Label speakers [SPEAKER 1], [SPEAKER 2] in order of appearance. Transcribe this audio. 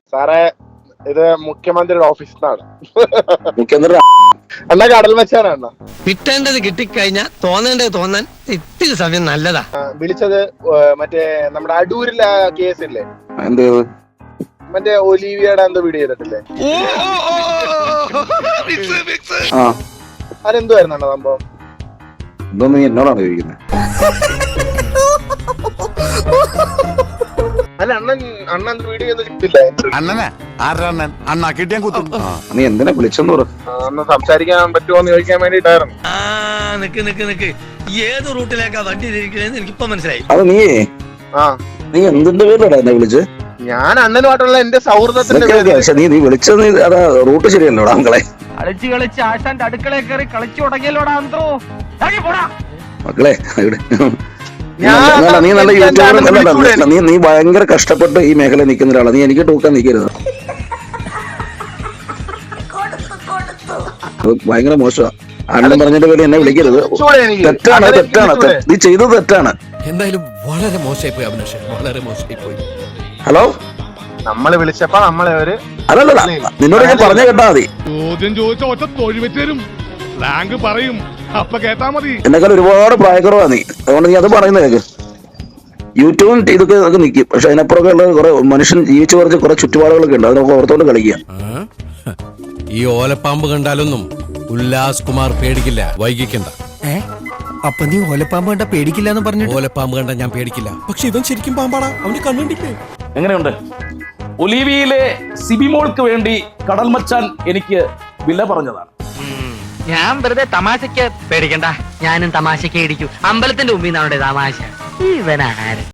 [SPEAKER 1] സാറേ ഇത് മുഖ്യമന്ത്രിയുടെ ഓഫീസിൽ നിന്നാണ്.
[SPEAKER 2] മുഖ്യമന്ത്രി
[SPEAKER 1] അണ്ണാ കടൽ മച്ചാനാ അണ്ണാ.
[SPEAKER 3] കിട്ടേണ്ടത് കിട്ടിക്കഴിഞ്ഞാൽ തോന്നേണ്ടത് തോന്നാൻ ഇത്തിരി സമയം നല്ലതാ.
[SPEAKER 1] വിളിച്ചത് മറ്റേ നമ്മുടെ അടൂരിലെ കേസില്ലേ,
[SPEAKER 2] എന്ത്
[SPEAKER 1] മറ്റേ ഒലീവിയുടെ എന്തോ വീഡിയോ ചെയ്തിട്ടില്ലേ, അതെന്തുവായിരുന്നു അണ്ണാ സംഭവം?
[SPEAKER 2] ഇതൊന്നും എന്നോടാണ് ചോദിക്കുന്നത്.
[SPEAKER 1] അല്ല അണ്ണൻ വീഡിയോ ഒന്നും കിട്ടില്ല.
[SPEAKER 2] നീ എന്തിനാ വിളിച്ചെന്ന് പറ.
[SPEAKER 1] അന്ന് സംസാരിക്കാൻ പറ്റുമോന്ന് ചോദിക്കാൻ വേണ്ടിട്ടായിരുന്നു.
[SPEAKER 3] നിക്ക് ഏത് റൂട്ടിലേക്കാ വണ്ടി തിരിക്കണേന്ന് എനിക്കിപ്പോ മനസ്സിലായി.
[SPEAKER 2] അത് നീ എന്തിന്റെ പേരിലടാ എന്നെ വിളിച്ച്?
[SPEAKER 1] ഞാൻ അണ്ണനുമായിട്ടുള്ള എന്റെ സൗഹൃദത്തിന്റെ
[SPEAKER 2] നീ വിളിച്ചത് അതാ റൂട്ട് ശരിയല്ലോടാ മക്കളെ.
[SPEAKER 4] കളിച്ച് ആശാന്റെ അടുക്കളയിൽ കയറി കളിച്ചു തുടങ്ങിയല്ലോടാ അന്തോ.
[SPEAKER 2] മക്കളെ നീ നല്ല യൂട്യൂബർ, നീ ഭയങ്കര കഷ്ടപ്പെട്ട് ഈ മേഖല നിൽക്കുന്ന ഒരാളാണ്. നീ എനിക്ക് ടൂക്കാൻ നിൽക്കരുത്, ഭയങ്കര മോശമാണ്. അണ്ണൻ പറഞ്ഞിട്ട് പേര് എന്നെ വിളിക്കരുത്. തെറ്റാണ് നീ ചെയ്തത് തെറ്റാണ്.
[SPEAKER 5] എന്തായാലും വളരെ മോശമായി പോയി അഭിലാഷ്, വളരെ മോശമായി പോയി.
[SPEAKER 2] ഹലോ,
[SPEAKER 1] നമ്മള് വിളിച്ചപ്പോ നമ്മളെ ഒരു
[SPEAKER 2] അല്ലല്ല നിന്നോട് ഞാൻ പറഞ്ഞു കേട്ടാ മതി.
[SPEAKER 6] ചോദ്യം ചോദിച്ച ഒറ്റ തൊഴിൽ റാങ്ക് പറയും, അപ്പൊ കേട്ടാ മതി.
[SPEAKER 2] എന്നെക്കാൾ ഒരുപാട് പ്രായക്കുറവാ നീ, അതുകൊണ്ട് നീ അത് പറയുന്നത് കേക്ക്. യൂട്യൂബും ഇതൊക്കെ നിൽക്കും, പക്ഷെ അതിനപ്പുറമൊക്കെ ഉള്ള കുറെ മനുഷ്യൻ ജീവിച്ചു കുറച്ച് കുറെ ചുറ്റുപാടുകളൊക്കെ ഉണ്ട്, അതിനൊക്കെ ഓർത്തോണ്ട് കളിക്കുക.
[SPEAKER 5] ഈ ഓലപ്പാമ്പ് കണ്ടാലൊന്നും ഉല്ലാസ് കുമാർ പേടിക്കില്ല, വൈകിക്കണ്ട.
[SPEAKER 7] അപ്പൊ നീ ഓലപ്പാമ്പ് കണ്ട പേടിക്കില്ല എന്ന് പറഞ്ഞു?
[SPEAKER 5] ഓലപ്പാമ്പ് കണ്ട ഞാൻ പേടിക്കില്ല, പക്ഷെ ഇവൻ ശരിക്കും പാമ്പാടാ, അവന് കണ്ടിട്ടില്ലേ?
[SPEAKER 8] എങ്ങനെയുണ്ട്? ഒലീവിയിലെ സിബിമോൾക്ക് വേണ്ടി കടൽ മച്ചാൻ എനിക്ക് വില പറഞ്ഞതാണ്.
[SPEAKER 4] ഞാൻ വെറുതെ തമാശക്ക് പേടിക്കണ്ട, ഞാനും തമാശക്ക് ഇടിക്കും. അമ്പലത്തിന്റെ മുമ്പിൽ നിന്നാണ് തമാശ. ഇവനാര്